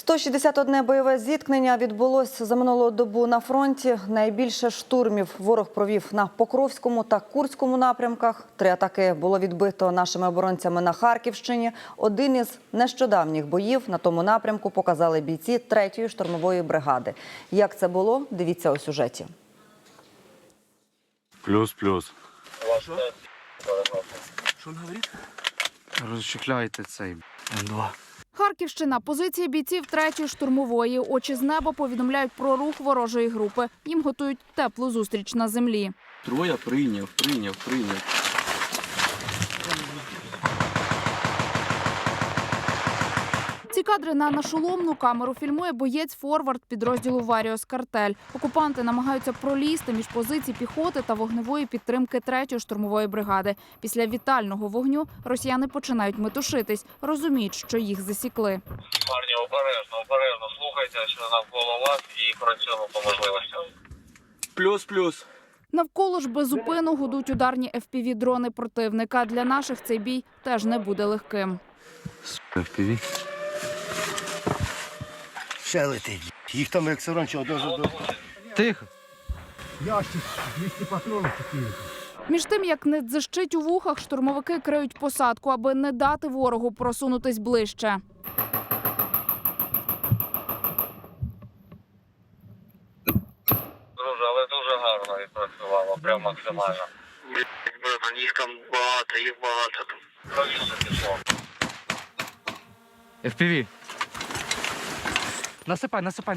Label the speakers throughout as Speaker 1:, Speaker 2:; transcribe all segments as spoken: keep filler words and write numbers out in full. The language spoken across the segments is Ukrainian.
Speaker 1: сто шістдесят одне бойове зіткнення відбулося за минулу добу на фронті. Найбільше штурмів ворог провів на Покровському та Курському напрямках. Три атаки було відбито нашими оборонцями на Харківщині. Один із нещодавніх боїв на тому напрямку показали бійці третьої штурмової бригади. Як це було, дивіться у сюжеті.
Speaker 2: Плюс-плюс.
Speaker 3: Що? Що він говорить?
Speaker 2: Розчехляйте цей ем два.
Speaker 4: Харківщина. Позиції бійців третьої штурмової. Очі з неба повідомляють про рух ворожої групи. Їм готують теплу зустріч на землі.
Speaker 3: Троє прийняв, прийняв, прийняв.
Speaker 4: Ці кадри на нашоломну камеру фільмує боєць-форвард підрозділу «Варіос Картель». Окупанти намагаються пролізти між позицій піхоти та вогневої підтримки третьої штурмової бригади. Після вітального вогню росіяни починають метушитись, розуміють, що їх засікли.
Speaker 5: Парні, обережно, обережно слухайте, що навколо вас, і працюємо по можливостям.
Speaker 3: Плюс-плюс.
Speaker 4: Навколо ж безупину гудуть ударні еф пі ві-дрони противника. Для наших цей бій теж не буде легким.
Speaker 2: еф пі ві.
Speaker 6: Ще летить. Їх там як раніше одного за одного.
Speaker 2: Тихо.
Speaker 6: Ящик, двісті патронів такі.
Speaker 4: Між тим, як не дзищить у вухах, штурмовики криють посадку, аби не дати ворогу просунутись ближче.
Speaker 5: Друже, але дуже гарно відпрацювало, прям максимально. Блін, їх там багато, їх багато. Правіше пішло.
Speaker 2: еф пі ві. Насипай, насипай.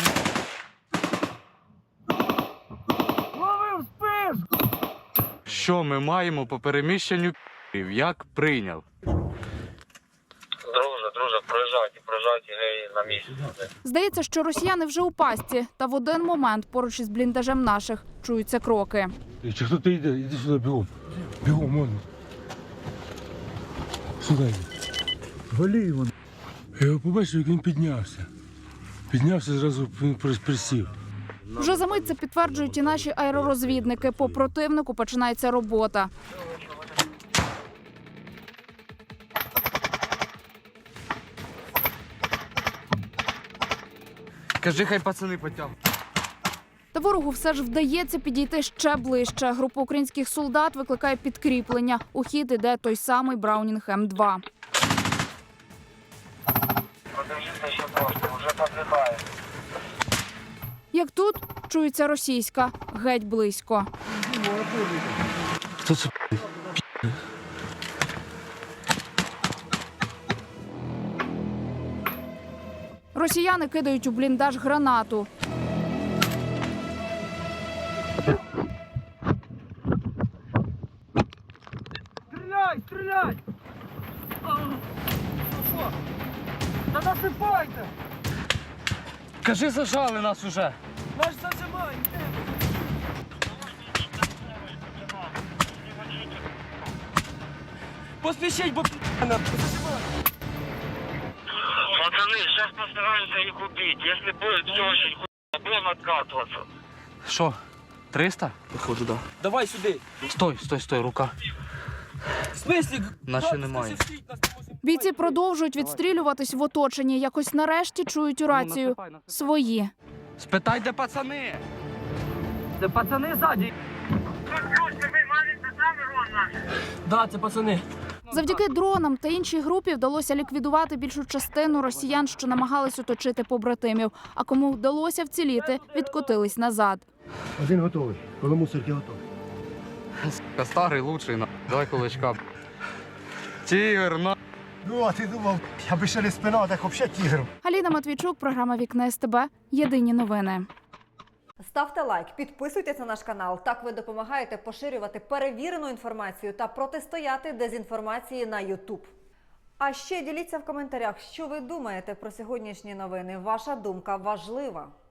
Speaker 6: Ловив спиш!
Speaker 2: Що ми маємо по переміщенню п***ів? Як прийняв?
Speaker 5: Друже, друже, проїжджайте, проїжджайте, гей, на місці.
Speaker 4: Здається, що росіяни вже у пастці. Та в один момент поруч із бліндажем наших чуються кроки.
Speaker 7: Чи хто-то йде, іди сюди бігом. Бігом, можна. Сюди йди. Валі його. Я його побачив, як він піднявся. Піднявся, зразу він присів.
Speaker 4: Вже за мить це підтверджують і наші аеророзвідники. По противнику починається робота.
Speaker 2: Кажи, хай пацани потягнуть.
Speaker 4: Та ворогу все ж вдається підійти ще ближче. Група українських солдат викликає підкріплення. У хід іде той самий Браунінг ем два.
Speaker 5: Подивіться ще трошки, вже підлітає.
Speaker 4: Як тут, чується російська. Геть близько.
Speaker 7: Хто це?
Speaker 4: Росіяни кидають у бліндаж гранату.
Speaker 6: Стріляй, стріляй! Що? Та насипайте!
Speaker 2: Кажи, зажали нас уже.
Speaker 6: Наш зажимай! Поспішіть, бо п***на!
Speaker 5: Пацаны, сейчас постараемся их убить. Если будет все очень хуйно, будем откатываться.
Speaker 2: Що? триста?
Speaker 3: Походу, да. Давай сюди.
Speaker 2: Стой, стой, стой, рука.
Speaker 3: В смислі?
Speaker 2: Наче немає.
Speaker 4: Бійці продовжують відстрілюватись в оточенні. Якось нарешті чують у рацію. Свої.
Speaker 2: Спитай, де пацани?
Speaker 6: Це пацани ззаді!
Speaker 3: Да, це пацани.
Speaker 4: Завдяки дронам та іншій групі вдалося ліквідувати більшу частину росіян, що намагались оточити побратимів. А кому вдалося вціліти, відкотились назад.
Speaker 6: Один готовий, коло мусорки готовий.
Speaker 2: Старий лучший, на. Давай кулачка. Тігр, на.
Speaker 6: Ну, а ти думав, аби ще не спина, так взагалі тігр.
Speaker 4: Аліна Матвійчук, програма «Вікна ес те бе». Єдині новини.
Speaker 1: Ставте лайк, підписуйтесь на наш канал. Так ви допомагаєте поширювати перевірену інформацію та протистояти дезінформації на ютуб. А ще діліться в коментарях, що ви думаєте про сьогоднішні новини. Ваша думка важлива.